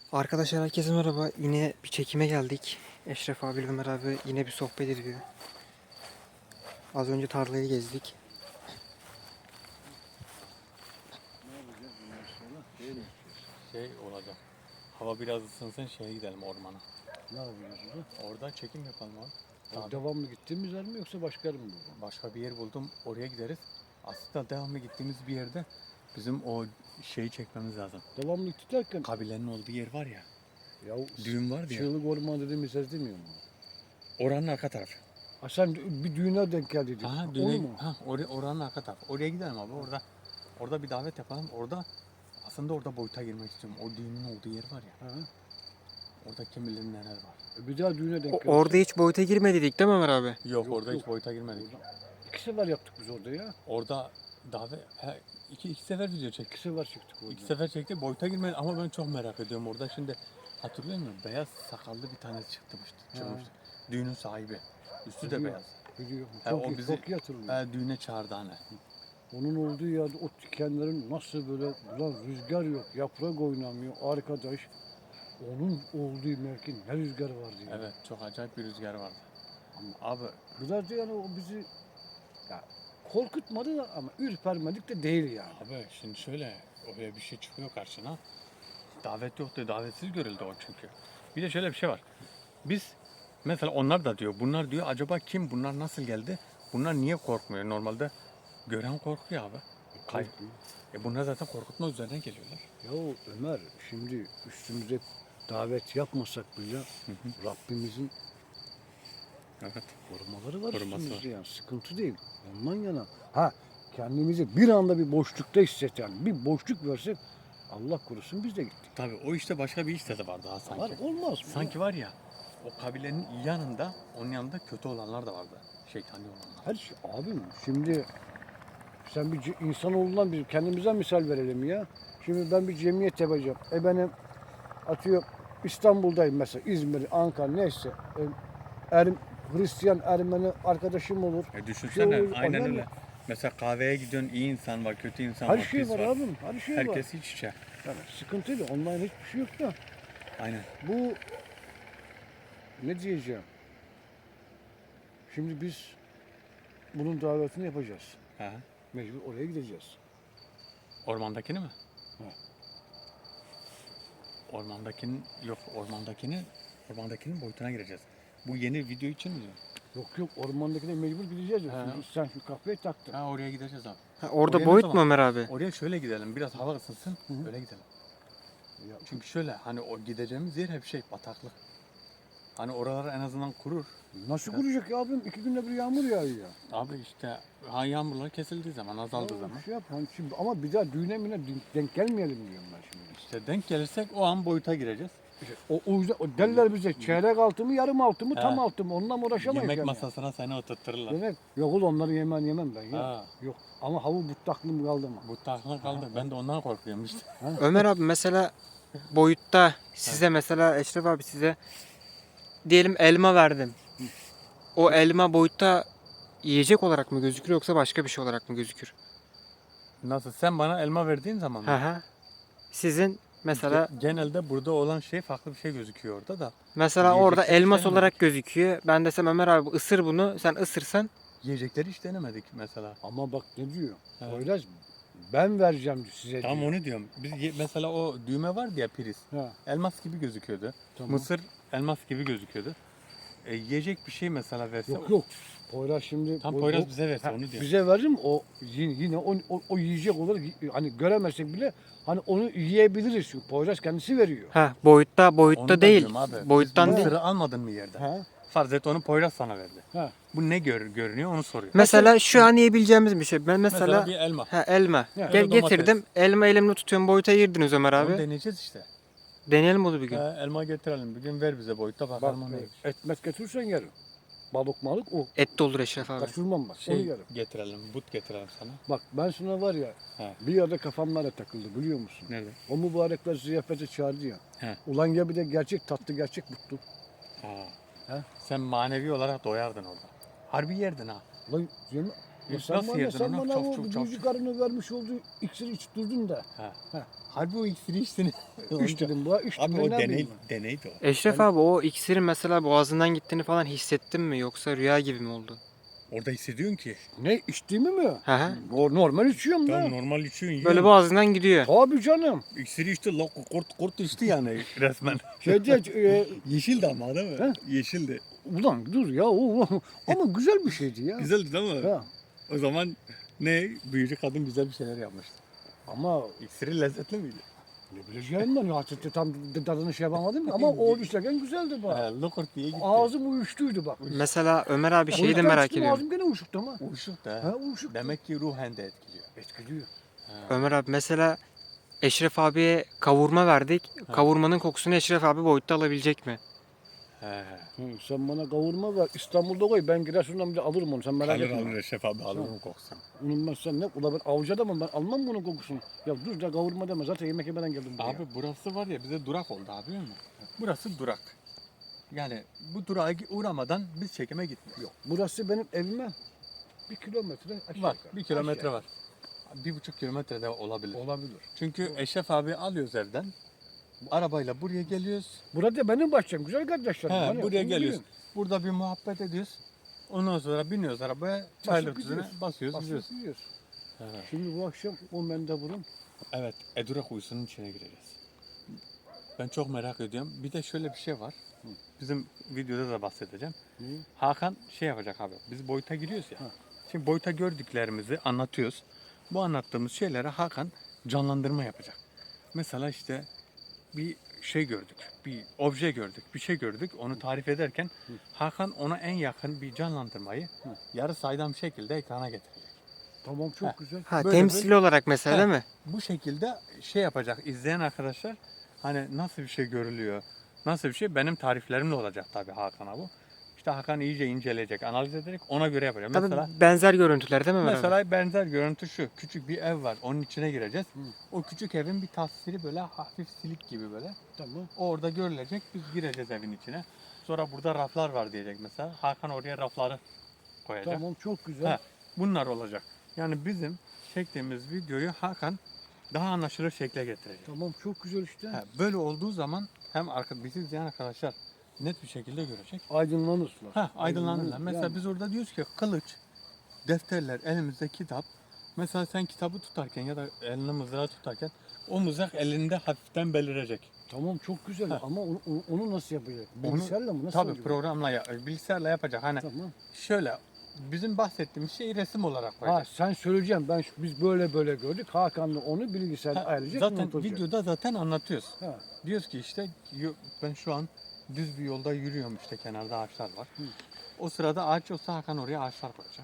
Arkadaşlar herkese merhaba. Yine bir çekime geldik. Eşref abi, Ömer abi yine bir sohbet ediyor. Az önce tarlayı gezdik. Ne yapacağız bundan sonra? Değil mi? Şey olacak. Hava biraz ısınsın şeye gidelim ormana. Ne yapacağız orada? Orada çekim yapalım abi. Tabii. Devamlı gittiğimiz yer mi yoksa başka yer mi bu? Başka bir yer buldum. Oraya gideriz. Aslında devamlı gittiğimiz bir yerde bizim o şeyi çekmemiz lazım. Devamlı gittik derken Kabilenin olduğu yer var ya. ya Düğün var ya. Çığlık Orman dediğimiz yer demiyor mu? Oranın arka tarafı. Ha sen bir düğüne denk geldin. Ha, Onu düğüne, mu? oranın arka tarafı. Oraya gidelim abi. Orada bir davet yapalım. Aslında orada boyuta girmek istiyorum. O düğünün olduğu yer var ya. Ha. Orada kim bilir neler var. Bir daha düğüne denk geldik. Orada hiç boyuta girmedik değil mi Ömer abi? Yok, Yok, orada yok. hiç boyuta girmedik. İki sefer yaptık biz orada ya. Orada davet iki sefer video çektik. İki sefer çıktık orada. İki sefer çekti. Boyuta girmedi ama ben çok merak ediyorum orada. Şimdi hatırlıyor musun? Beyaz sakallı bir tanesi çıkmıştı. Çıkmıştı. Düğünün sahibi. Üstü de Biliyorum. beyaz. Biliyorum. Ha, Çok o iyi, bizi- çok iyi hatırlıyorum. Düğüne çağırdı hani. Onun olduğu yerde o dikenlerin nasıl böyle ulan rüzgar yok, yaprak oynamıyor arkadaş. Onun olduğu mevkin ne rüzgar vardı ya. Evet, çok acayip bir rüzgar vardı. Ama Abi biraz da yani o bizi ya korkutmadı da ama ürpermedik de değil yani. şimdi şöyle oraya bir şey çıkıyor karşına. Davet yoktu. Davetsiz görüldü o çünkü. Bir de şöyle bir şey var. Biz mesela onlar da diyor. Bunlar diyor acaba kim? Bunlar nasıl geldi? Bunlar niye korkmuyor? Normalde gören korkuyor abi. Korkmuyor. Bunlar zaten korkutma üzerine geliyorlar. Ya Ömer şimdi üstümüze davet yapmasak bile Rabbimizin Evet. korumaları var Koruması üstümüzde yani sıkıntı değil. Ondan yana ha kendimizi bir anda bir boşlukta hisseten bir boşluk versek Allah korusun biz de gittik. Tabii o işte başka bir işte de var daha sanki. Var olmaz mı? Sanki var ya o kabilenin yanında, onun yanında kötü olanlar da vardı. Şeytani olanlar. Her şey abim şimdi sen bir insanoğlundan bir kendimize misal verelim ya. Şimdi ben bir cemiyet yapacağım. Benim atıyor İstanbul'dayım mesela İzmir, Ankara neyse. Hristiyan, Ermeni arkadaşım olur. Düşünsene Şey olur, aynen yani öyle. Mesela kahveye gidiyorsun iyi insan var, kötü insan Her var, şey pis var var. abim. Her şey var. Herkes iç içe. Yani sıkıntı değil. Onların hiçbir şey yok da. Aynen. Bu ne diyeceğim? Şimdi biz bunun davetini yapacağız. Ha. Mecbur oraya gideceğiz. Ormandakini mi? Ha. Ormandakinin boyutuna gireceğiz. Bu yeni video için mi diyorsun? Yok ormandakine mecbur gideceğiz. Ha. Şimdi sen şu kafayı taktın. Ha, oraya gideceğiz abi. Orada Oraya ne boyut zaman? mu Ömer abi? Oraya şöyle gidelim. Biraz hava ısınsın. Hı hı. Öyle gidelim. Ya, Çünkü şöyle hani o gideceğimiz yer hep bataklık. Hani oralar en azından kurur. nasıl kuracak ya abim? 2 günde bir yağmur yağıyor ya. Abi işte yağmurlar kesildiği zaman, azaldığı Ya, zaman. Şey yap, hani şimdi, ama bir daha düğüne müne denk gelmeyelim diyorum ben şimdi. İşte denk gelirsek o an boyuta gireceğiz. İşte o yüzden o derler bize çeyrek altı mı yarım altı mı He. tam altı mı onunla mı uğraşamayız Yemek yani. masasına seni oturttururlar. Yemek. Yok oğlum onları yemem ben ya. Ha, Yok ama havu butaklım kaldı mı? bu takla kaldı. Ben de ondan korkuyorum işte. Ömer abi mesela boyutta size mesela Eşref abi size diyelim elma verdim. O elma boyutta yiyecek olarak mı gözükür yoksa başka bir şey olarak mı gözükür? Nasıl? Sen bana elma verdiğin zaman mı? Hı hı. Sizin mesela Genelde burada olan şey farklı bir şey gözüküyor orada da. orada Yiyecekleri hiç elmas denemedik. olarak gözüküyor. Ben desem Ömer abi ısır bunu, sen ısırsan Yiyecekleri hiç denemedik mesela. Ama bak ne diyor? Evet. Poyraz ben vereceğim size Tam diyor. onu diyorum. Mesela o düğme vardı ya priz. Ha, Elmas gibi gözüküyordu. tamam. Mısır elmas gibi gözüküyordu. Yiyecek bir şey mesela verse. Yok. Poyraz şimdi Tam Poyraz bize verse Ha, onu diyor. bize verir mi? O yine o yiyecek olarak hani göremezsek bile hani onu yiyebiliriz çünkü Poyraz kendisi veriyor. boyutta Onu da değil. diyorum abi. Boyuttan Biz değil. Mısır'ı almadın mı yerden? Ha? Farz et onu Poyraz sana verdi. Ha. Bu ne görünüyor onu soruyor. Mesela şu an yiyebileceğimiz bir şey. Ben mesela bir elma. elma. Ya, ya da Getirdim. Elma elimle tutuyorum. Boyuta girdiniz Ömer Onu abi. deneyeceğiz işte. Deneyelim onu bir gün. Elma getirelim. Bir gün ver bize boyutta Bak bakalım o neymiş. etmet götürürsen yerim. Balık malık o. Et de olur Eşref abi. Kaçırmam bak onu yerim. Getirelim, but getirelim sana. Bak ben sana var ya He. bir yerde kafamlara takıldı biliyor musun? Nerede? O mübarekler ziyafete çağırdı ya. He. Ulan ya bir de gerçek tatlı gerçek mutlu. Ha. He? Sen manevi olarak doyardın orada. Harbi yerdin ha. Ulan Nasıl Sen yedin sen onu? bana Çok, o çok, çok, büyücü karının vermiş olduğu iksiri iç durdun da. Harbi o iksiri içtin. Üç dedim bu. Üç Abi dedim. o Ne bileyim ben. deneydi o. Eşref abi o iksirin mesela boğazından gittiğini falan hissettin mi yoksa rüya gibi mi oldu? Orada hissediyorsun ki. Ne içtiğimi mi? Hı hı. O normal içiyorum Tamam da. normal içiyorsun. Böyle yiyorsun. boğazından gidiyor. Tabii canım. İksiri içti. Kurt içti yani resmen. Şeyde Yeşildi ama değil mi? He? Yeşildi. ulan dur ya ama güzel bir şeydi ya. Güzeldi değil mi? Ha. O zaman ne? Büyücü kadın güzel bir şeyler yapmıştı. Ama İksiri lezzetli miydi? ne bileceğim ben artık tam tadını şey yapamadım ama o içerken güzeldi bak. Lokurt diye gitti. Ağzım uyuştuydu bak. Mesela Ömer abi şeyi de Uyuştan merak çıktım, ediyorum. Ağzım gene uyuşuktu ama. Uyuşuk da. Ha uyuşuk. Demek ki ruhen de etkiliyor. Etkiliyor. Ömer abi mesela Eşref abiye kavurma verdik. Kavurmanın kokusunu Eşref abi boyutta alabilecek mi? He. Hı, sen bana kavurma ver. İstanbul'da koy. Ben Giresun'dan bile alırım onu. Sen merak Alır etme. alır Şef abi alır mı kokusunu? Onun ben sen ne? Ula ben avcı adamım. Ben almam bunun kokusunu. Ya dur da kavurma deme. Zaten yemek yemeden geldim buraya. Abi burası var ya bize durak oldu abi biliyor musun? Burası durak. Yani bu durağa uğramadan biz çekime gitmiyoruz. Yok. Burası benim evime 1 kilometre aşağı Var. yukarı. 1 kilometre Aşağı. var. 1,5 kilometre de olabilir. Olabilir. Çünkü Eşref abi alıyoruz evden. Arabayla buraya geliyoruz. Burada benim bahçem. Güzel kardeşlerim. He, Hani buraya bunu geliyoruz. bilin. Burada bir muhabbet ediyoruz. Ondan sonra biniyoruz arabaya. Çaylar tuzuna gidiyoruz. basıyoruz gidiyoruz. Basıyoruz, yiyoruz. Şimdi bu akşam o mendeburun Evet, Edura kuyusunun içine gireceğiz. Ben çok merak ediyorum. Bir de şöyle bir şey var. Bizim videoda da bahsedeceğim. Hı. Hakan şey yapacak abi. Biz boyuta giriyoruz ya. Ha. Şimdi boyuta gördüklerimizi anlatıyoruz. Bu anlattığımız şeylere Hakan canlandırma yapacak. Mesela işte bir şey gördük, bir obje gördük, bir şey gördük. Onu tarif ederken Hakan ona en yakın bir canlandırmayı yarı saydam şekilde ekrana getirecek. tamam çok Ha. güzel. Ha Böyle temsili olarak mesela Ha. değil mi? Bu şekilde şey yapacak izleyen arkadaşlar hani nasıl bir şey görülüyor, nasıl bir şey benim tariflerimle olacak tabii Hakan'a bu. İşte Hakan iyice inceleyecek, analiz ederek ona göre yapacak. Tabii Mesela benzer görüntüler değil mi Ömer abi? mesela benzer görüntü şu. Küçük bir ev var. Onun içine gireceğiz. O küçük evin bir tasviri böyle hafif silik gibi böyle. Tamam. Orada görülecek. Biz gireceğiz evin içine. Sonra burada raflar var diyecek mesela. Hakan oraya rafları koyacak. Tamam çok güzel. Ha, bunlar olacak. Yani bizim çektiğimiz videoyu Hakan daha anlaşılır şekle getirecek. Tamam çok güzel işte. Ha, böyle olduğu zaman hem bizi izleyen arkadaşlar net bir şekilde görecek. Aydınlanırsınlar. Ha, aydınlanırlar. Mesela Yani. biz orada diyoruz ki kılıç, defterler, elimizde kitap. Mesela sen kitabı tutarken ya da elinde mızrağı tutarken o mızrak elinde hafiften belirecek. Tamam çok güzel Ha. ama onu nasıl yapacak? Onu- Bilgisayarla mı? Nasıl Tabii olacak? programla, bilgisayarla yapacak. Hani Tamam. şöyle bizim bahsettiğimiz şeyi resim olarak Ha koyacak. sen söyleyeceğim. Biz böyle gördük. Hakan'la onu bilgisayarda Ha, ayarlayacak. zaten unutulacak. videoda zaten anlatıyoruz. Ha. Diyoruz ki işte ben şu an düz bir yolda yürüyorum işte kenarda ağaçlar var. Hı. O sırada ağaç olsa Hakan oraya ağaçlar koyacak.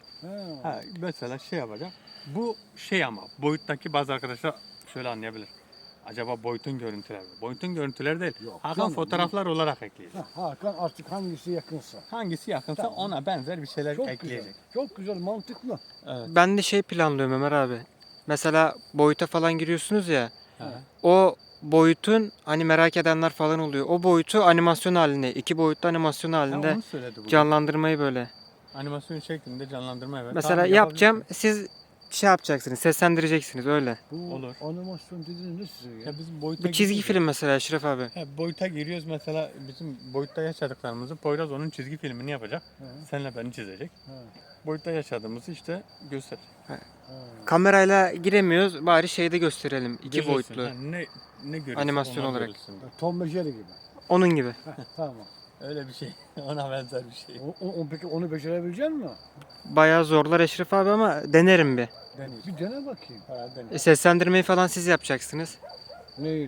Ha. Ha, mesela şey yapacak. Bu şey ama boyuttaki bazı arkadaşlar şöyle anlayabilir. Acaba boyutun görüntüleri mi? Boyutun görüntüleri değil. Yok Hakan canım, fotoğraflar olarak ekleyecek. Ha, Hakan artık hangisi yakınsa. Hangisi yakınsa Tamam. ona benzer bir şeyler Çok ekleyecek. güzel. Çok güzel, mantıklı. Evet. Ben de şey planlıyorum Ömer abi. Mesela boyuta falan giriyorsunuz ya. Ha. O boyutun hani merak edenler falan oluyor. O boyutu animasyon halinde, 2 boyutlu animasyon Ha, halinde onu söyledi bu. canlandırmayı böyle. Animasyon şeklinde canlandırma evet. Mesela Tamam, yapacağım, yapabilirsin. siz şey yapacaksınız, seslendireceksiniz öyle. Bu Olur. animasyon dediğiniz ne size ya? Ya bizim boyuta Bu çizgi giriyoruz ya. film mesela Eşref abi. Ha, boyuta giriyoruz mesela bizim boyutta yaşadıklarımızı Poyraz onun çizgi filmini yapacak. Ha, Senle beni çizecek. ha, Boyutta yaşadığımızı işte gösterecek. ha. Kamerayla giremiyoruz, bari şeyde gösterelim, 2 Görürsün. boyutlu. Ha, ne görüyorsun Animasyon onlar olarak. görürsün. Tom ve Jerry gibi. Onun gibi. Ha, tamam. Öyle bir şey. Ona benzer bir şey. Peki onu becerebilecek misin? Bayağı zorlar Eşref abi ama denerim bir. Deneyim. Bir dene bakayım. Ha, deneyim. Seslendirmeyi falan siz yapacaksınız. Neyi?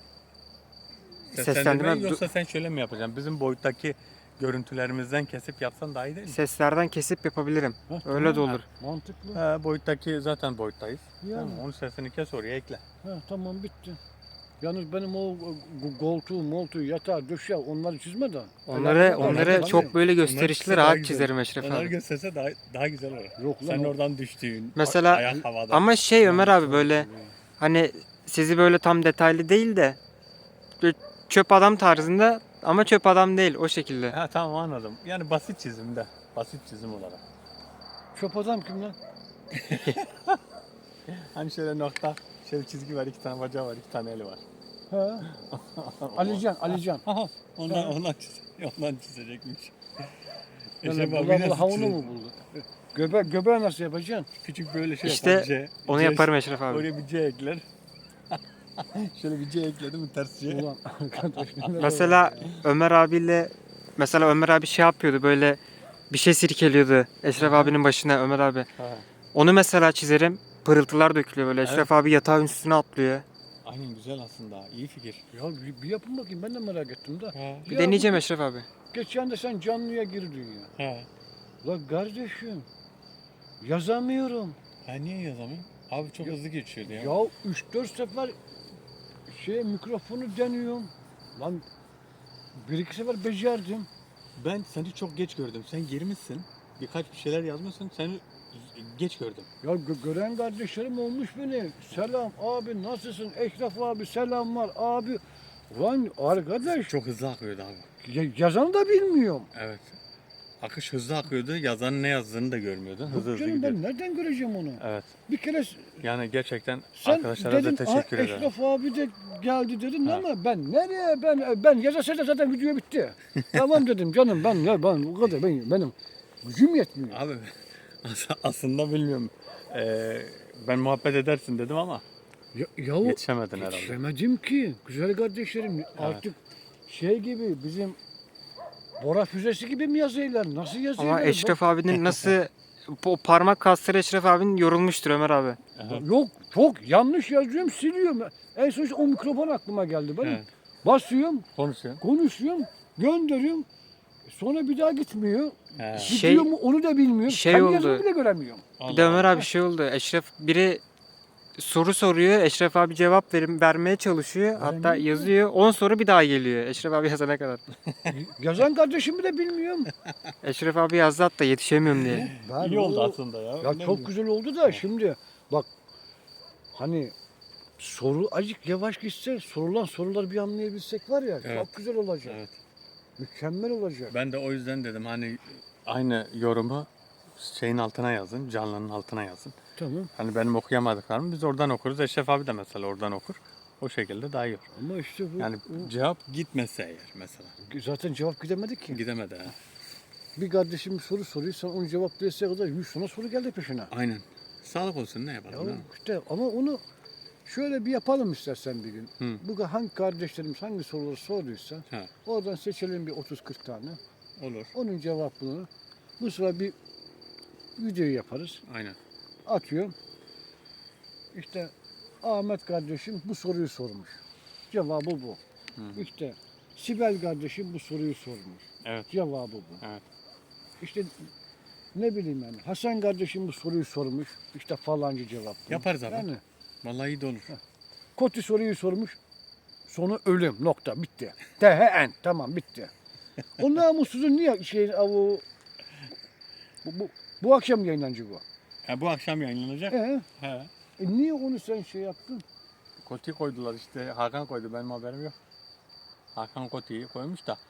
Seslendirme yoksa sen şöyle mi yapacaksın? Bizim boyuttaki görüntülerimizden kesip yapsan daha iyi değil mi? Seslerden kesip yapabilirim. Ha, Öyle de tamam. olur. Mantıklı. Ha, boyuttaki zaten boyuttayız. Yani. Tamam, onun sesini kes oraya ekle. Ha, tamam bitti. Yalnız benim o koltuğu, yatağı, döşeği onları çizme de. Onları Onları çok böyle gösterişli Onlar daha rahat güzel. çizerim Eşref Onları abi. gösterse daha güzel olur. Yok lan. Sen oradan düştüğün, Mesela- ayak havada. Ama şey Ömer abi böyle hani sizi böyle tam detaylı değil de böyle çöp adam tarzında ama çöp adam değil o şekilde. Ha tamam anladım. Yani basit çizimde. Basit çizim olarak. Çöp adam kim lan? Hani şöyle nokta, şöyle çizgi var, 2 tane bacağı var, 2 tane eli var. Ha. Alican. Aha, ondan çizecekmiş. Yani abi bula nasıl havunu çizecek? mu buldu? Göbeği nasıl yapacaksın? Küçük böyle şey İşte yapar, C. onu C- yaparım Eşref abi. Oraya bir C ekler. Şöyle bir C ekledim mi ters C. Ulan arkadaş. neler Mesela var ya. Ömer abi şey yapıyordu, böyle bir şey sirkeliyordu Eşref abinin başına, Ömer abi. Ha. Onu mesela çizerim. Pırıltılar dökülüyor böyle. Eşref Evet. abi yatağın üstüne atlıyor. Aynen, güzel aslında. İyi fikir. Ya bir yapın bakayım, ben de merak ettim de. Ha. Bir Ya deneyeceğim Eşref abi. Geçen de sen canlıya girdin ya. Ha. La kardeşim, yazamıyorum. Ha, niye yazamıyorum? Abi çok hızlı geçiyordu ya. Ya 3-4 sefer mikrofonu deniyorum. Lan 1-2 sefer becerdim. Ben seni çok geç gördüm. Sen girmişsin. Birkaç bir şeyler yazmışsın. Seni geç gördüm. Ya gören kardeşlerim olmuş beni. Selam abi, nasılsın? Eşref abi selamlar abi. Lan arkadaş, Çok hızlı akıyordu abi. yazanı da bilmiyorum. Evet. Akış hızlı akıyordu. Yazanın ne yazdığını da görmüyordun. Hızlı Yok hızlı canım, gidiyordu. ben nereden göreceğim onu? Evet. Bir kere Yani gerçekten sen arkadaşlara dedin, da teşekkür ederim. Eşref abi de geldi dedin Ha. ama ben nereye, ben yazarsa da zaten video bitti. Tamam dedim canım, ben o kadar benim gücüm yetmiyor. Abi aslında bilmiyorum. Ben muhabbet edersin dedim ama Yahu yetişemedin herhalde. yetişemedim ki güzel kardeşlerim, artık şey gibi bizim Bora füzesi gibi mi yazıyorlar? Nasıl yazıyorlar? Ama Eşref abinin nasıl o parmak kasları Eşref abinin yorulmuştur Ömer abi. Aha. Yok, çok yanlış yazıyorum, siliyorum. En son o mikrofon aklıma geldi benim. Evet. Basıyorum, Konuşuyorsun. konuşuyorum, gönderiyorum. Sonra bir daha gitmiyor. He. Şey- Gidiyor mu onu da bilmiyorum. şey Kendi oldu. yazımı bile göremiyorum. Bir de Ömer abi şey oldu. Biri soru soruyor. Eşref abi cevap vermeye çalışıyor. Hatta Vermiyor. yazıyor. 10 soru bir daha geliyor. Eşref abi yazana kadar. Yazan kardeşimi de bilmiyorum. Eşref abi yazdı hatta yetişemiyorum diye. Ben İyi oldu o- aslında ya. Ya Ne çok bileyim. güzel oldu da şimdi bak, hani soru azıcık yavaş gitse, sorulan soruları bir anlayabilsek var ya, Evet. çok güzel olacak. Evet. Mükemmel olacak. Ben de o yüzden dedim hani aynı yorumu şeyin altına yazın, canlının altına yazın. Tamam. Hani benim okuyamadıklarımı biz oradan okuruz. Eşref abi de mesela oradan okur. O şekilde daha iyi olur. Ama işte bu Yani cevap gitmese eğer mesela. zaten cevap gidemedik ki. Gidemedi ha. Bir kardeşim bir soru soruyor, sen onu cevaplayasıya kadar 100 tane soru geldi peşine. Aynen. Sağlık olsun, ne Ya yapalım? değil mi? işte ama onu şöyle bir yapalım istersen bir gün. Hı. Bu hangi kardeşlerimiz hangi soruları sorduysa Ha, oradan seçelim bir 30-40 tane. olur. Onun cevabını bu sıra bir video yaparız. Aynen. Atıyorum. İşte Ahmet kardeşim bu soruyu sormuş. Cevabı bu. Hı. İşte Sibel kardeşim bu soruyu sormuş. Evet. Cevabı bu. Evet. İşte ne bileyim yani Hasan kardeşim bu soruyu sormuş. İşte falancı cevap bu. Yaparız abi. Yani Vallahi iyi de olur. Koti soruyu sormuş. Sonu ölüm nokta bitti. THN tamam bitti. O namussuzun niye bu akşam yayınlanacak bu. Ha, bu akşam yayınlanacak. He. Niye onu sen şey yaptın? Koti koydular işte. Hakan koydu. Benim haberim yok. Hakan Koti'yi koymuş da.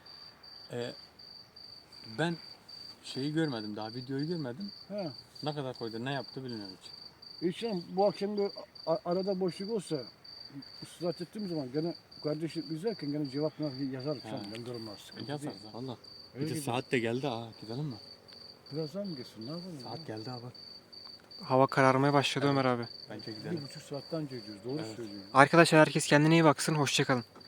Ben şeyi görmedim. Daha videoyu görmedim. He. Ne kadar koydu, ne yaptı bilmiyorum hiç. İnşallah bu akşam böyle arada boşluk olsa ıslat ettiğim zaman gene kardeşim izlerken gene cevap yazarım. Ha. Ben durmaz. Sıkıntı Yazarız değil. ha. Valla. Öyle Bir de gidelim. saat de geldi ha. Gidelim mi? Birazdan mı geçsin? Ne yapalım? Saat geldi abi. Hava kararmaya başladı Ömer abi. Bence Bir gidelim. buçuk saatten önce gidiyoruz. Doğru Evet. söylüyorsun. Arkadaşlar herkes kendine iyi baksın. Hoşçakalın.